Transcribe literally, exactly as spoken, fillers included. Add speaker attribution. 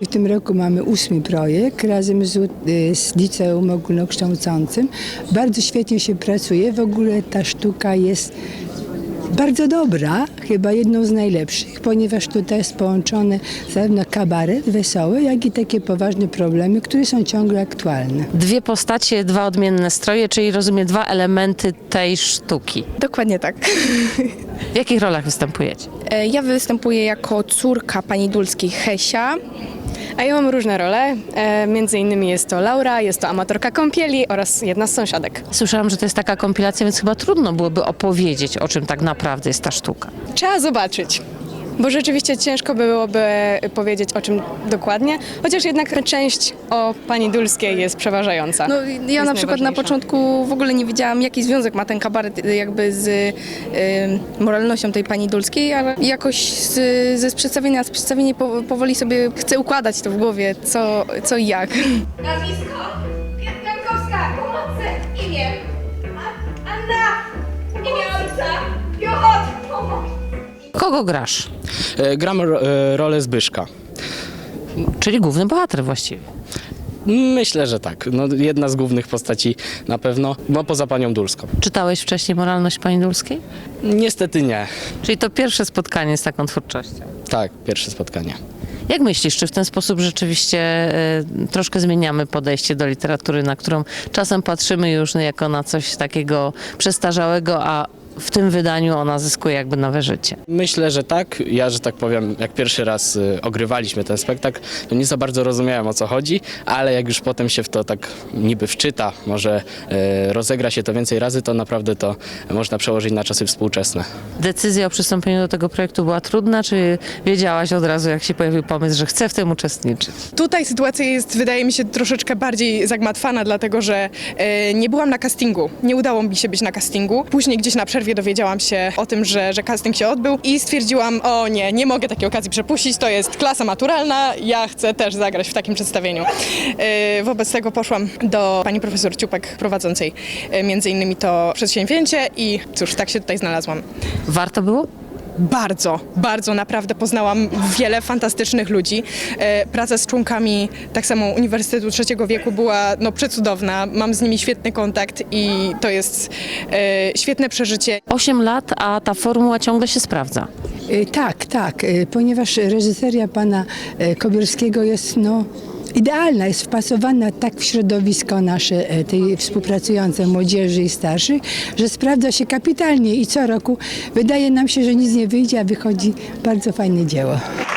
Speaker 1: W tym roku mamy ósmy projekt razem z, z liceum ogólnokształcącym. Bardzo świetnie się pracuje. W ogóle ta sztuka jest bardzo dobra, chyba jedną z najlepszych, ponieważ tutaj jest połączony zarówno kabaret wesoły, jak i takie poważne problemy, które są ciągle aktualne.
Speaker 2: Dwie postacie, dwa odmienne stroje, czyli rozumiem dwa elementy tej sztuki.
Speaker 3: Dokładnie tak.
Speaker 2: W jakich rolach występujecie?
Speaker 3: E, Ja występuję jako córka pani Dulskiej Hesia.
Speaker 4: A ja mam różne role, e, między innymi jest to Laura, jest to amatorka kąpieli oraz jedna z sąsiadek.
Speaker 2: Słyszałam, że to jest taka kompilacja, więc chyba trudno byłoby opowiedzieć, o czym tak naprawdę jest ta sztuka.
Speaker 4: Trzeba zobaczyć, bo rzeczywiście ciężko byłoby powiedzieć o czym dokładnie, chociaż jednak część o pani Dulskiej jest przeważająca.
Speaker 3: No, ja
Speaker 4: Jest
Speaker 3: na przykład na
Speaker 4: najważniejsza.
Speaker 3: początku w ogóle nie wiedziałam, jaki związek ma ten kabaret jakby z y, moralnością tej pani Dulskiej, ale jakoś z, ze z przedstawienia, z przedstawienia po, powoli sobie chcę układać to w głowie, co, co i jak.
Speaker 5: Nazwisko? Piankowska, pomocy, imię. A, Anna, imię ojca. Piotr, pomoc.
Speaker 2: Kogo grasz?
Speaker 6: E, Gram ro- e, rolę Zbyszka.
Speaker 2: Czyli główny bohater właściwie.
Speaker 6: Myślę, że tak. No, jedna z głównych postaci na pewno, no poza panią Dulską.
Speaker 2: Czytałeś wcześniej Moralność pani Dulskiej?
Speaker 6: Niestety nie.
Speaker 2: Czyli to pierwsze spotkanie z taką twórczością.
Speaker 6: Tak, pierwsze spotkanie.
Speaker 2: Jak myślisz, czy w ten sposób rzeczywiście e, troszkę zmieniamy podejście do literatury, na którą czasem patrzymy już jako na coś takiego przestarzałego, a w tym wydaniu ona zyskuje jakby nowe życie?
Speaker 6: Myślę, że tak. Ja, że tak powiem, jak pierwszy raz y, ogrywaliśmy ten spektakl, to nie za bardzo rozumiałem, o co chodzi, ale jak już potem się w to tak niby wczyta, może y, rozegra się to więcej razy, to naprawdę to można przełożyć na czasy współczesne.
Speaker 2: Decyzja o przystąpieniu do tego projektu była trudna, czy wiedziałaś od razu, jak się pojawił pomysł, że chcę w tym uczestniczyć?
Speaker 7: Tutaj sytuacja jest, wydaje mi się, troszeczkę bardziej zagmatwana, dlatego że e, nie byłam na castingu. Nie udało mi się być na castingu. Później gdzieś na przerwie dowiedziałam się o tym, że, że casting się odbył i stwierdziłam, o nie, nie mogę takiej okazji przepuścić, to jest klasa maturalna, ja chcę też zagrać w takim przedstawieniu. E, wobec tego poszłam do pani profesor Ciupek prowadzącej e, między innymi to przedsięwzięcie i cóż, tak się tutaj znalazłam.
Speaker 2: Warto było?
Speaker 7: Bardzo, bardzo naprawdę poznałam wiele fantastycznych ludzi. E, praca z członkami tak samo Uniwersytetu Trzeciego Wieku była no, przecudowna. Mam z nimi świetny kontakt i to jest e, świetne przeżycie.
Speaker 2: Osiem lat, a ta formuła ciągle się sprawdza.
Speaker 1: Y, Tak, tak, y, ponieważ reżyseria pana y, Kobierskiego jest no, idealna, jest wpasowana tak w środowisko nasze, y, tej współpracującej młodzieży i starszych, że sprawdza się kapitalnie i co roku wydaje nam się, że nic nie wyjdzie, a wychodzi bardzo fajne dzieło.